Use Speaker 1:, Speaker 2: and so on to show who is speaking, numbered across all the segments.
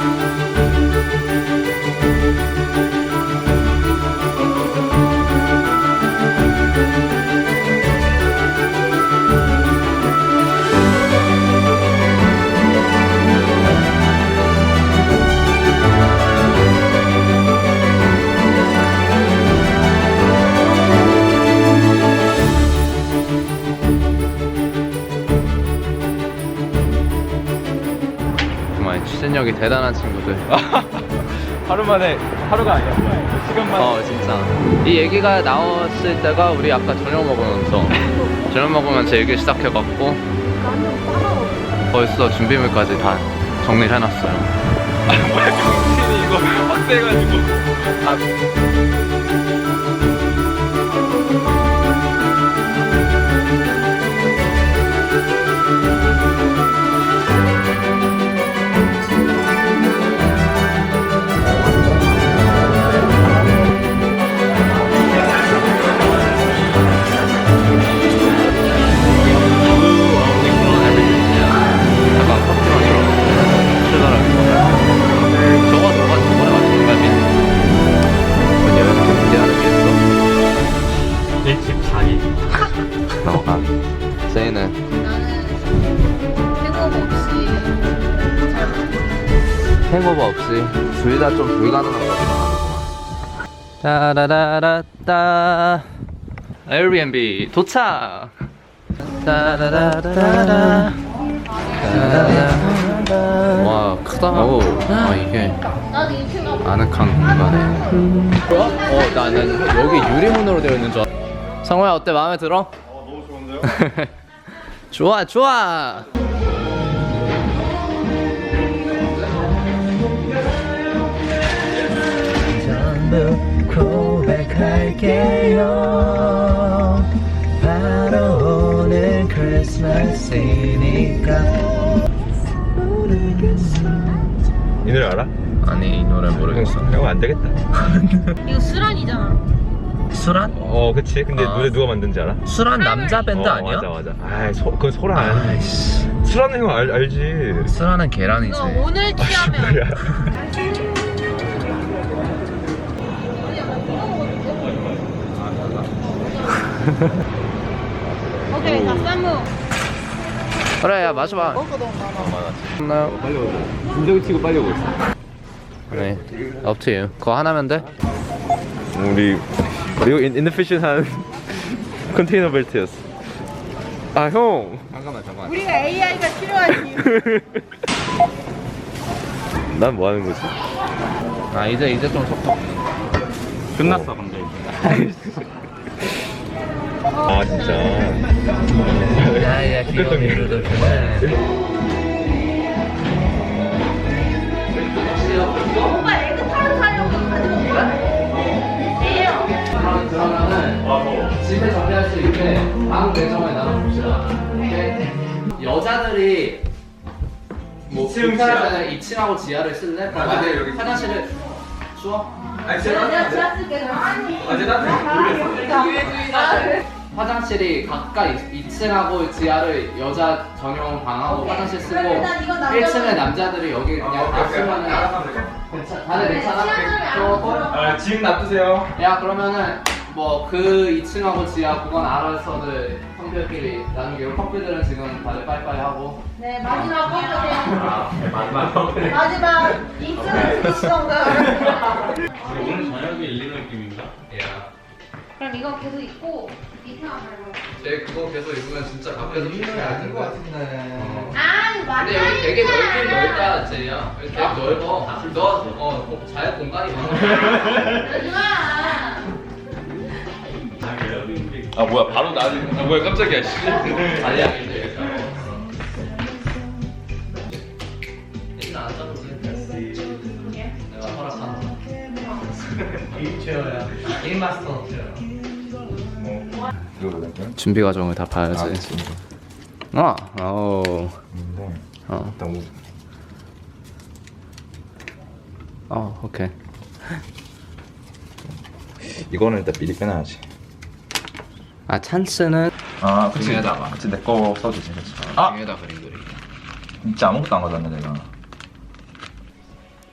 Speaker 1: 추진력이 대단한 친구들.
Speaker 2: 하루 만에, 하루가 아니야. 시간 만에.
Speaker 1: 진짜. 이 얘기가 나왔을 때가 우리 아까 저녁 먹으면서 저녁 먹으면서 얘기 시작해갖고 벌써 준비물까지 다 정리를 해놨어요.
Speaker 2: 뭐야, 경진이 이거 확대해가지고.
Speaker 1: 세이는
Speaker 3: 나는
Speaker 1: 행오버 없이 둘 다 좀 불가능한 거구나. 따라라라따 에어비앤비 도착. 따라라라라 와 크다. 이게 아늑한 공간에. 나는 여기 유리문으로 되어 있는 줄 알았어. 성호야 어때? 마음에 들어?
Speaker 2: 너무 좋은데요?
Speaker 1: 좋아 좋아.
Speaker 4: 전부 고백할게요. 바로 오늘 크리스마스니까.
Speaker 2: 이 노래 알아?
Speaker 1: 아니 이 노래 모르겠어.
Speaker 2: 형 안 되겠다.
Speaker 3: 이거 수란이잖아.
Speaker 4: 수란?
Speaker 2: 그치. 근데 노래 누가 만든지 알아?
Speaker 4: 수란 남자 밴드 아니야?
Speaker 2: 맞아. 그건 소란. 수란은 형 알지.
Speaker 4: 수란은 계란이지.
Speaker 3: 이거 오늘 취하면
Speaker 2: 뭐야.
Speaker 3: 오케이 자 쌈무
Speaker 1: 그래 야 마셔봐. 나
Speaker 2: 빨리 오고. 김정희 치고 빨리 오고 있어.
Speaker 1: 네 up to you. 그거 하나면 돼?
Speaker 2: 우리 이거 인피션한 컨테이너 벨트였어. 아 형.
Speaker 1: 잠깐만.
Speaker 3: 우리가 AI가 필요하지.
Speaker 2: 난 뭐 하는 거지?
Speaker 1: 이제 좀 속도
Speaker 2: 끝났어 근데 이제. 진짜.
Speaker 4: 야야 귀여운
Speaker 3: 오빠 에그 타르트 사려고 가지고 온 거야?
Speaker 1: 그러면은 집에 정리할 수 있게 방 내정을 나눠봅시다. 오케이? 여자들이 뭐 2층하고 지하를 쓸래? 여기 화장실을 추워?
Speaker 3: 내가 지하 쓸게
Speaker 1: 화장실이 각각 2층하고 지하를 여자 전용 방하고 화장실 쓰고
Speaker 3: 그러면 일단 이건 남자들-
Speaker 1: 1층은 남자들이 여기 그냥 다 쓰면은 다들 괜찮아?
Speaker 2: 지금 놔두세요.
Speaker 1: 야 그러면은 뭐 그 2층하고 지하 그건 알아서들 성별끼리 나중에 커플들은 지금 다들 빠이빠이 하고
Speaker 3: 네 마지막 컵이요.
Speaker 2: 마지막.
Speaker 3: 입술을 쓰시던가.
Speaker 2: 오늘 저녁에 일리노 느낌인가?
Speaker 3: 그럼 이거 계속 입고 밑에만 밟아요.
Speaker 1: 쟤 그거 계속 입으면 진짜 밖에서 피해야 될 것 같은데
Speaker 3: 아 맞다.
Speaker 1: 근데 여기 되게 넓긴 넓다 쟤야 여기 되게 넓어 잘 공간이 많아
Speaker 2: 뭐야 바로 나지. 뭐야 깜짝이야.
Speaker 1: 아니야 이제 일단 앉아도 돼 내가 허락하는 거 게임체어야 게임마스터 체어 준비 과정을 다 봐야지 오케이
Speaker 2: 이거는 일단 미리 빼놔야지.
Speaker 1: 찬스는
Speaker 2: 그치.
Speaker 1: 등에다가.
Speaker 2: 그치 내 거 써주지. 그치.
Speaker 1: 등에다 그림 그리기
Speaker 2: 진짜 아무것도 안 가져왔네 내가.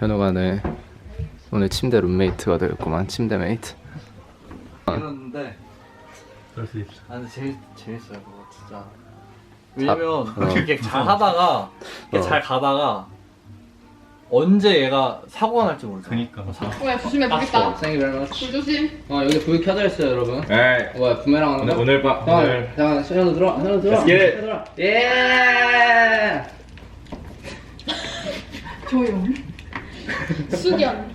Speaker 1: 현우가 오늘 침대 룸메이트가 되었구만. 침대 메이트.
Speaker 5: 이랬는데
Speaker 2: 그럴 수 있어.
Speaker 5: 아 근데 재밌어요 그거 진짜. 왜냐면 이렇게 잘 하다가 이렇게 잘 가다가 언제 얘가 사고가 날지 모르잖아.
Speaker 2: 그니까.
Speaker 3: 뭐야 조심해 보겠다.
Speaker 1: Thank you very much.
Speaker 3: 불 조심.
Speaker 1: 여기 불 켜져 있어요, 여러분.
Speaker 2: 에이.
Speaker 1: 뭐야, 부메랑 하는 거?
Speaker 2: 오늘 밤. 오늘.
Speaker 1: 잠깐, 현우 들어. 현우 들어.
Speaker 2: Let's get it.
Speaker 1: 들어. 예!
Speaker 3: 조용. 숙연.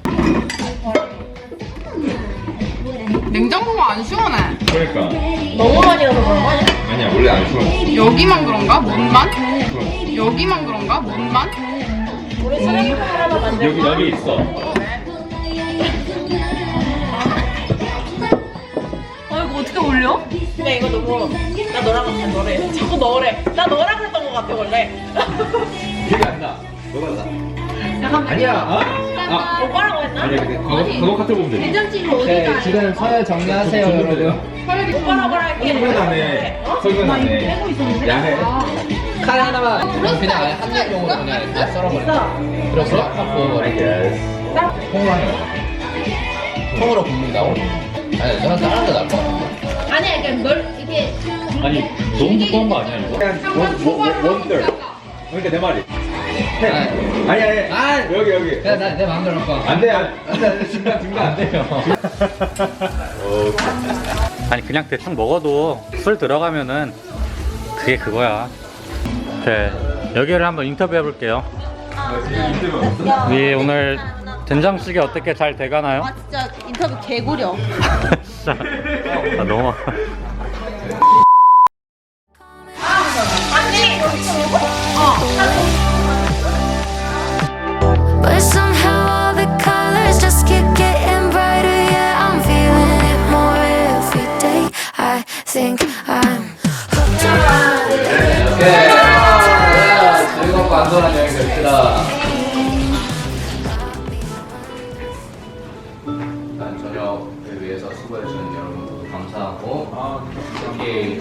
Speaker 3: 냉장고가 안 시원해.
Speaker 2: 그러니까.
Speaker 3: 너무 많이 넣어서 그런 거 아니야?
Speaker 2: 아니야 원래 안 추워.
Speaker 3: 여기만 그런가? 뭔만? 여기만 그런가? 뭔만?
Speaker 2: 여기 있어.
Speaker 6: 이거 어떻게 올려? 근데 이거 너무 나 너랑 같은 노래 자꾸 넣으래. 나 너랑 했던 것 같아 원래.
Speaker 2: 기억이 안 나. 너가 나.
Speaker 1: 아니야.
Speaker 6: 오빠라고 했나?
Speaker 2: 아니야 근데 그거 카톡 보면 돼.
Speaker 3: 된장찌개
Speaker 1: 네,
Speaker 3: 어디가?
Speaker 1: 지금 서열 정리하세요, 여러분.
Speaker 6: 오빠라고 할게.
Speaker 2: 설명 나네. 설명 나네. 야해.
Speaker 1: 칼 하나만. 그냥 아예 한 입용으로 그냥 다 썰어버려. 그래서 팍 부어버려. 통으로 하는 거. 통으로 굽는다고? 아니, 저는 다른 거 나을 것 같아.
Speaker 3: 아니야 이게 이게
Speaker 2: 아니 너무 두꺼운 거 아니야 이거? 원들. 그러니까 내 말이. 아니.
Speaker 1: 아!
Speaker 2: 여기.
Speaker 1: 그냥 내 마음대로 할 거야.
Speaker 2: 안 돼. 중간 안 돼요.
Speaker 7: 아니 그냥 대충 먹어도 술 들어가면은 그게 그거야. 네, 여기를 한번 인터뷰해 볼게요. 네, 오늘 된장찌개 어떻게 잘 돼가나요?
Speaker 6: 아 진짜 인터뷰 개구려.
Speaker 7: 진짜 너무
Speaker 8: But somehow all the colors just keep getting brighter. Yeah, I'm feeling it more every day. I think I'm hooked on it.
Speaker 1: 즐겁고 안전한 여행 됩시다. 일단 저녁을 위해서 수고해주는 여러분 모두 감사하고 특히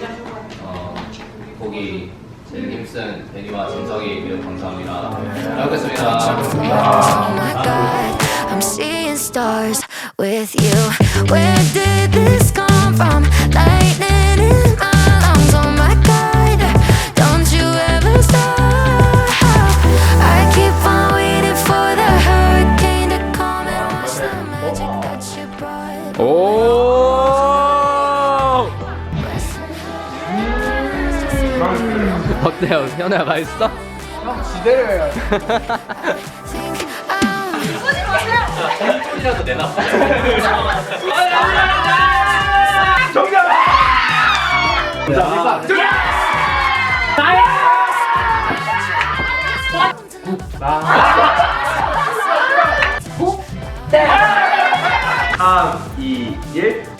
Speaker 1: 거기 제일 힘쓴 데니와 진석이 매우 감사합니다. 잘 먹겠습니다.
Speaker 8: Oh my god, I'm seeing stars with you. Where did this come from? Lightning in my lungs. Oh my god, don't you ever stop. I keep on waiting for the hurricane to come and watch the magic that you brought.
Speaker 1: 오! 어때요? 현우야 맛있어? 형 지대로 해요.
Speaker 8: Think I'm
Speaker 1: 소리라도 내놔.
Speaker 2: 정답. 3, 2, 1.